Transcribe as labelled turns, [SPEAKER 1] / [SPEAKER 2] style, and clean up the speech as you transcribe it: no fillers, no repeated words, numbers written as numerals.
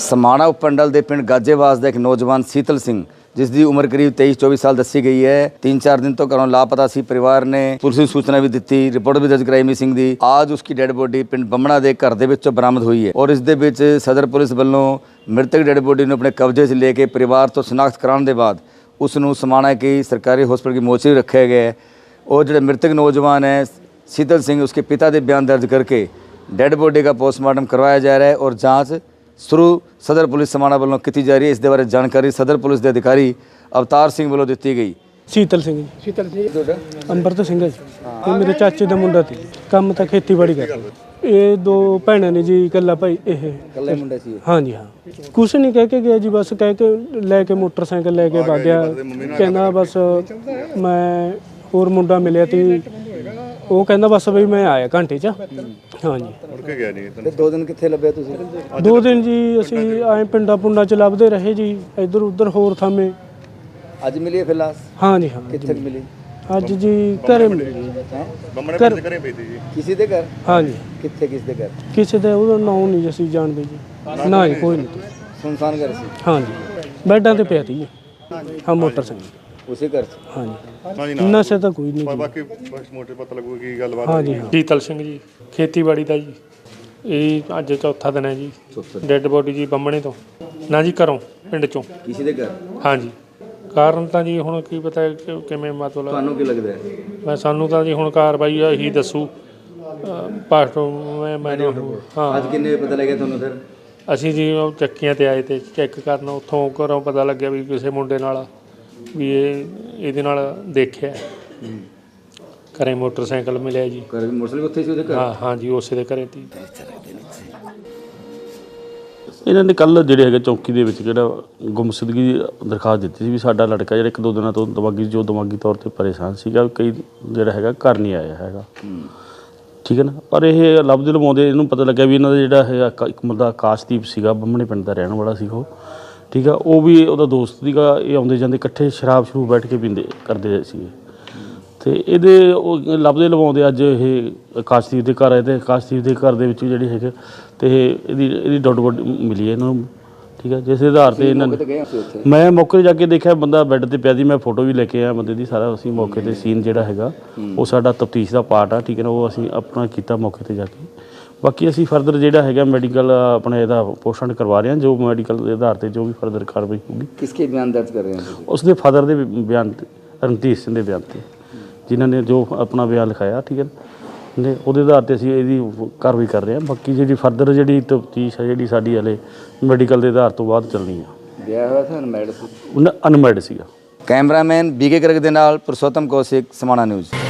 [SPEAKER 1] समाणा उपमंडल के पिंड गाजेवास का एक नौजवान शीतल सिंह जिसकी उम्र करीब 23-24 साल दसी गई है 3-4 दिन तो घरों लापता सी। परिवार ने पुलिस की सूचना भी दी, रिपोर्ट भी दर्ज कराई मिसिंग की। आज उसकी डेड बॉडी पिंड बमणा के घर के बरामद हुई है और इस सदर पुलिस वालों मृतक डेड बॉडी को अपने कब्जे से लेके परिवार तो शनाख्त कराने के बाद उसनू समाणा की सरकारी हॉस्पिटल की मोर्चरी रखा गया है। और जो मृतक नौजवान है शीतल सिंह उसके पिता के बयान दर्ज करके डेड बॉडी का पोस्टमार्टम करवाया जा रहा है और जाँच शुरू सदर पुलिस समाणा वालों की जा रही है। इस बारे जानकारी सदर पुलिस के अधिकारी अवतार सिंह वालों दी गई।
[SPEAKER 2] शीतल सिंह अंबरत सिंह जी ये मेरे चाचे का मुंडा सी, काम तो खेतीबाड़ी कर। ये दो भैन ने जी, कला भाई ये
[SPEAKER 1] मुंडा सी।
[SPEAKER 2] हाँ जी हाँ, कुछ नहीं कह के गया जी, बस कह के लैके मोटरसाइकिल लैके भाग गया। कहना बस मैं होर मुंडा मिले थी, वो कहना बस बई मैं आया घंटे च। हाँ जी
[SPEAKER 1] 2 दिन कितने लभे तुसीं?
[SPEAKER 2] 2 दिन जी असीं आए पिंडा पुंडा च लभदे रहे जी, इधर उधर होर थामे।
[SPEAKER 1] अज मिली है फिर लाश?
[SPEAKER 2] हाँ जी हाँ,
[SPEAKER 1] कितने मिली?
[SPEAKER 2] अज जी घरे मिली
[SPEAKER 1] किसी दे घर?
[SPEAKER 2] हाँ जी
[SPEAKER 1] कितने किस दे घर?
[SPEAKER 2] किसी का ਉਹਦਾ ਨਾਂ नहीं ਅਸੀਂ ਜਾਣਦੇ ਜੀ, ਨਾ ਜੀ ਕੋਈ ਨਹੀਂ।
[SPEAKER 1] सुनसान घर सी?
[SPEAKER 2] हाँ जी ਬੈੱਡਾਂ ਤੇ ਪਿਆ ਸੀ। ਹਾਂ मोटरसाइकिल
[SPEAKER 1] उसी घर से?
[SPEAKER 2] हाँ जी, ਨਸ਼ੇ ਤਾਂ ਕੋਈ ਨਹੀਂ।
[SPEAKER 3] ਬਾਕੀ ਬਸ ਮੋਟੇ ਪਤਾ ਲੱਗੂਗਾ ਕੀ ਗੱਲਬਾਤ।
[SPEAKER 2] हाँ जी हाँ,
[SPEAKER 4] शीतल सिंह जी खेतीबाड़ी का जी, ਇਹ ਅੱਜ ਚੌਥਾ ਦਿਨ ਹੈ ਜੀ। ਡੈੱਡ ਬੋਡੀ ਜੀ ਬੰਮਣੇ ਤੋਂ ਨਾ ਜੀ ਘਰੋਂ ਪਿੰਡ ਚੋਂ।
[SPEAKER 1] किसी दे घर?
[SPEAKER 4] ਹਾਂ ਜੀ ਕਾਰਨ ਤਾਂ ਜੀ ਹੁਣ ਕੀ ਪਤਾ ਕਿਵੇਂ ਮਤਲਬ
[SPEAKER 1] ਤੁਹਾਨੂੰ ਕੀ ਲੱਗਦਾ ਹੈ?
[SPEAKER 4] ਮੈਂ ਸਾਨੂੰ ਤਾਂ ਜੀ ਹੁਣ ਕਾਰਵਾਈ ਇਹੀ ਦੱਸੂ ਪਾਸਟਰ ਮੈਨੂੰ। ਹਾਂ
[SPEAKER 1] ਅੱਜ ਕਿੰਨੇ ਵਜੇ ਪਤਾ ਲੱਗਿਆ ਤੁਹਾਨੂੰ ਫਿਰ?
[SPEAKER 4] ਅਸੀਂ ਜੀ ਉਹ ਚੱਕੀਆਂ ਤੇ ਆਏ ਤੇ ਚੈੱਕ ਕਰਨ, ਉੱਥੋਂ ਘਰੋਂ ਪਤਾ ਲੱਗਿਆ ਵੀ ਕਿਸੇ ਮੁੰਡੇ ਨਾਲ ਵੀ ਇਹਦੇ ਨਾਲ ਦੇਖਿਆ। ਘਰੇ ਮੋਟਰਸਾਈਕਲ ਮਿਲਿਆ ਜੀ।
[SPEAKER 1] ਘਰ ਵੀ ਮੋਟਰਸਾਈਕਲ ਉੱਥੇ ਸੀ ਉਹਦੇ ਘਰ?
[SPEAKER 4] ਹਾਂ ਹਾਂ ਜੀ ਉਸੇ ਦੇ ਘਰੇ ਤੀ।
[SPEAKER 5] ਇਹਨਾਂ ਨੇ ਕੱਲ੍ਹ ਜਿਹੜੇ ਹੈਗੇ ਚੌਂਕੀ ਦੇ ਵਿੱਚ ਜਿਹੜਾ ਗੁੰਮਸ਼ੁਦਗੀ ਦੀ ਦਰਖਾਸਤ ਦਿੱਤੀ ਸੀ ਵੀ ਸਾਡਾ ਲੜਕਾ ਜਿਹੜਾ 1-2 ਦਿਨਾਂ ਤੋਂ ਦਿਮਾਗੀ ਤੌਰ 'ਤੇ ਪਰੇਸ਼ਾਨ ਸੀਗਾ, ਕਈ ਜਿਹੜਾ ਹੈਗਾ ਘਰ ਨਹੀਂ ਆਇਆ ਹੈਗਾ। ਠੀਕ ਹੈ ਨਾ, ਪਰ ਇਹ ਲੱਭਦੇ ਲਵਾਉਂਦੇ ਇਹਨੂੰ ਪਤਾ ਲੱਗਿਆ ਵੀ ਇਹਨਾਂ ਦਾ ਜਿਹੜਾ ਹੈਗਾ ਇੱਕ ਮੁੰਡਾ ਆਕਾਸ਼ਦੀਪ ਸੀਗਾ, ਬੰਮਣੇ ਪਿੰਡ ਦਾ ਰਹਿਣ ਵਾਲਾ ਸੀ ਉਹ। ਠੀਕ ਆ, ਉਹ ਵੀ ਉਹਦਾ ਦੋਸਤ ਸੀਗਾ। ਇਹ ਆਉਂਦੇ ਜਾਂਦੇ ਇਕੱਠੇ ਸ਼ਰਾਬ ਸ਼ਰੂ ਬੈਠ ਕੇ ਪੀਂਦੇ ਕਰਦੇ ਸੀਗੇ। ਅਤੇ ਇਹਦੇ ਉਹ ਲੱਭਦੇ ਲਵਾਉਂਦੇ ਅੱਜ ਇਹ ਆਕਾਸ਼ਦੀਪ ਦੇ ਘਰ ਆਏ ਅਤੇ ਆਕਾਸ਼ਦੀਪ ਦੇ ਘਰ ਦੇ ਵਿੱਚ ਜਿਹੜੀ ਹੈਗੇ ਅਤੇ ਇਹਦੀ ਡੈੱਡ ਬੋਡੀ ਮਿਲੀ ਹੈ ਇਹਨਾਂ ਨੂੰ। ਠੀਕ ਹੈ, ਜਿਸ ਆਧਾਰ 'ਤੇ ਇਹਨਾਂ ਨੇ ਮੈਂ ਮੌਕੇ 'ਤੇ ਜਾ ਕੇ ਦੇਖਿਆ ਬੰਦਾ ਬੈੱਡ 'ਤੇ ਪਿਆ ਸੀ। ਮੈਂ ਫੋਟੋ ਵੀ ਲੈ ਕੇ ਆਇਆ ਬੰਦੇ ਦੀ, ਸਾਰਾ ਅਸੀਂ ਮੌਕੇ 'ਤੇ ਸੀਨ ਜਿਹੜਾ ਹੈਗਾ ਉਹ ਸਾਡਾ ਤਫਤੀਸ਼ ਦਾ ਪਾਰਟ ਆ। ਠੀਕ ਹੈ ਨਾ, ਉਹ ਅਸੀਂ ਆਪਣਾ ਕੀਤਾ ਮੌਕੇ 'ਤੇ ਜਾ ਕੇ। ਬਾਕੀ ਅਸੀਂ ਫਰਦਰ ਜਿਹੜਾ ਹੈਗਾ ਮੈਡੀਕਲ ਆਪਣੇ ਇਹਦਾ ਪੋਸਟਮਾਰਟਮ ਕਰਵਾ ਰਹੇ ਹਾਂ, ਜੋ ਮੈਡੀਕਲ ਦੇ ਆਧਾਰ 'ਤੇ ਜੋ ਵੀ ਫਰਦਰ ਕਾਰਵਾਈ ਹੋਊਗੀ।
[SPEAKER 1] ਕਿਸਕੇ ਬਿਆਨ ਦਰਜ ਕਰ ਰਹੇ ਹੋ?
[SPEAKER 5] ਉਸਦੇ ਫਾਦਰ ਦੇ ਬਿਆਨ 'ਤੇ, ਰਣਧੀਰ ਸਿੰਘ ਦੇ ਬਿਆਨ 'ਤੇ, ਜਿਨ੍ਹਾਂ ਨੇ ਜੋ ਆਪਣਾ ਬਿਆਨ ਲਿਖਾਇਆ। ਠੀਕ ਹੈ ਨੇ, ਉਹਦੇ ਆਧਾਰ 'ਤੇ ਅਸੀਂ ਇਹਦੀ ਕਾਰਵਾਈ ਕਰ ਰਹੇ ਹਾਂ। ਬਾਕੀ ਜਿਹੜੀ ਫਰਦਰ ਜਿਹੜੀ ਤਫਤੀਸ਼ ਹੈ ਜਿਹੜੀ ਸਾਡੀ ਹਲੇ ਮੈਡੀਕਲ ਦੇ ਆਧਾਰ ਤੋਂ ਬਾਅਦ ਚੱਲਣੀ ਆ।
[SPEAKER 1] ਵਿਆਹ ਹੋਇਆ ਸੀ? ਅਨਮੈਰਿਡ ਸੀ?
[SPEAKER 5] ਅਨਮੈਰਿਡ ਸੀਗਾ।
[SPEAKER 1] ਕੈਮਰਾਮੈਨ BK ਕਰਕ ਦੇ ਨਾਲ ਪੁਰਸ਼ੋਤਮ ਕੌਸ਼ਿਕ, ਸਮਾਣਾ ਨਿਊਜ਼।